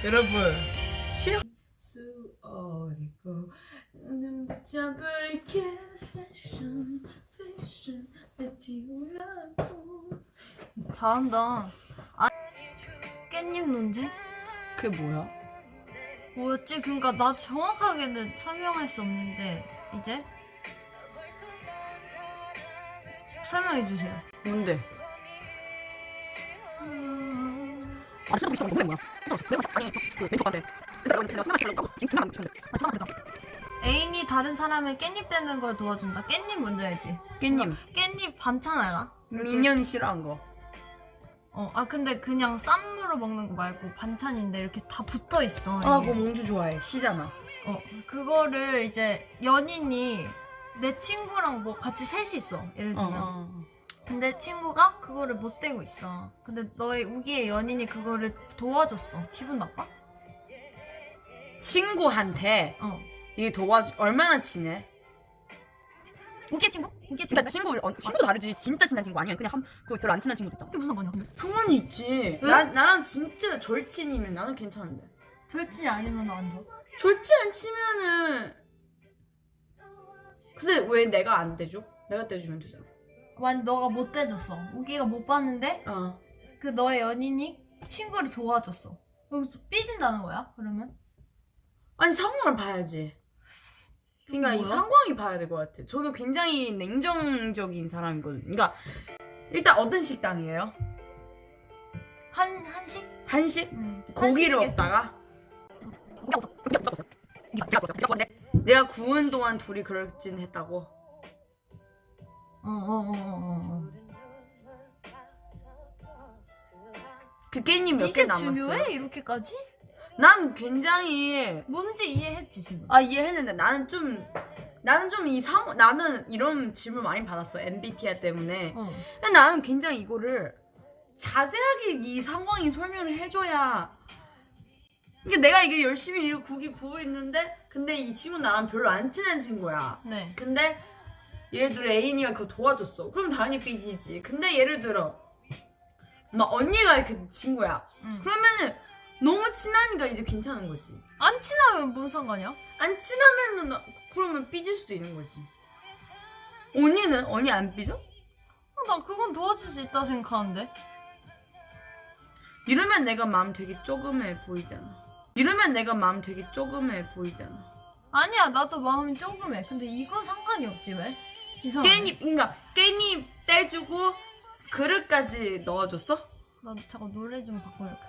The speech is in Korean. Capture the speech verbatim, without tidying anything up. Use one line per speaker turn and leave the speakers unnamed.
여러분 시험
수 어리고 눈 붙잡을게 패션 패션 내 지우라고.
잘한다. 아, 깻잎 논쟁?
그게 뭐야?
뭐였지? 그러니까 나 정확하게는 설명할 수 없는데 이제 설명해 주세요.
뭔데?
아 진짜 보기 너무 뭐야? 내가 아니 그 왼쪽 한테 내가 내가 생각 시키려고 지금 생각 안 했는데 아 생각 안 했다.
애인이 다른 사람을 깻잎 떼는 걸 도와준다. 깻잎 뭔지 알지?
깻잎
깻잎 반찬 알아?
민현이 싫어한 거.
어, 아 근데 그냥 쌈무로 먹는 거 말고 반찬인데 이렇게 다 붙어 있어.
아
이게.
그거 몽주 좋아해. 시잖아.
어, 그거를 이제 연인이 내 친구랑 뭐 같이 셋이 있어. 예를
어,
들면.
어.
근데 친구가 그거를 못 떼고 있어. 근데 너의 우기의 연인이 그거를 도와줬어. 기분 나빠?
친구한테
어.
이게 도와주 얼마나 친해?
우기의 친구? 우기의
진짜
친구?
친구 어, 친구도 다르지. 진짜 친한 친구 아니면 그냥 한 그 별로 안 친한 친구도 있잖아.
그게 무슨 상관이야? 근데?
상관이 있지. 나 나랑 진짜 절친이면 나는 괜찮은데.
절친이 아니면 안 돼.
절친 안 치면은. 근데 왜 내가 안 대줘? 내가 떼주면 되잖아.
만 너가 못 떼줬어. 우기가 못 봤는데
어.
그 너의 연인이 친구를 도와줬어. 그래서 삐진다는 거야? 그러면?
아니 상황을 봐야지. 그러니까 이
뭐야?
상황이 봐야 될 것 같아. 저는 굉장히 냉정적인 사람이거든요. 그러니까 일단 어떤 식당이에요?
한 한식?
한식?
응.
고기를
한식이겠지.
먹다가
고기 먹었어. 고기 먹었어. 네가 제가 구웠어. 제가 구웠는데
내가 구운 동안 둘이 그럴진 했다고.
어어어어 어, 어.
그 깻잎 몇 개
이게
남았어요?
중요해? 이렇게까지?
난 굉장히
뭔지 이해했지 지금.
아 이해했는데 나는 좀 나는 좀 이 상 나는 이런 질문 많이 받았어 엠비티아이 때문에.
어.
근데 나는 굉장히 이거를 자세하게 이 상황이 설명을 해줘야. 그러니까 내가 이게 열심히 이거 국이 구워 있는데 근데 이 친구 나랑 별로 안 친한 친구야.
네.
근데 예를 들어 애인이가 그거 도와줬어. 그럼 당연히 삐지지. 근데 예를 들어 막 언니가 그 친구야.
응.
그러면은 너무 친하니까 이제 괜찮은 거지.
안 친하면 뭔 상관이야?
안 친하면은 나- 그러면 삐질 수도 있는 거지. 언니는 언니 안 삐져?
어, 나 그건 도와줄 수 있다 생각하는데.
이러면 내가 마음 되게 조그매 보이잖아. 이러면 내가 마음 되게 조그매 보이잖아.
아니야, 나도 마음이 조금해. 근데 이건 상관이 없지 왜? 이상하네.
깻잎 그러니까 깻잎 떼주고 그릇까지 넣어줬어?
나 잠깐 노래 좀 바꿔볼게.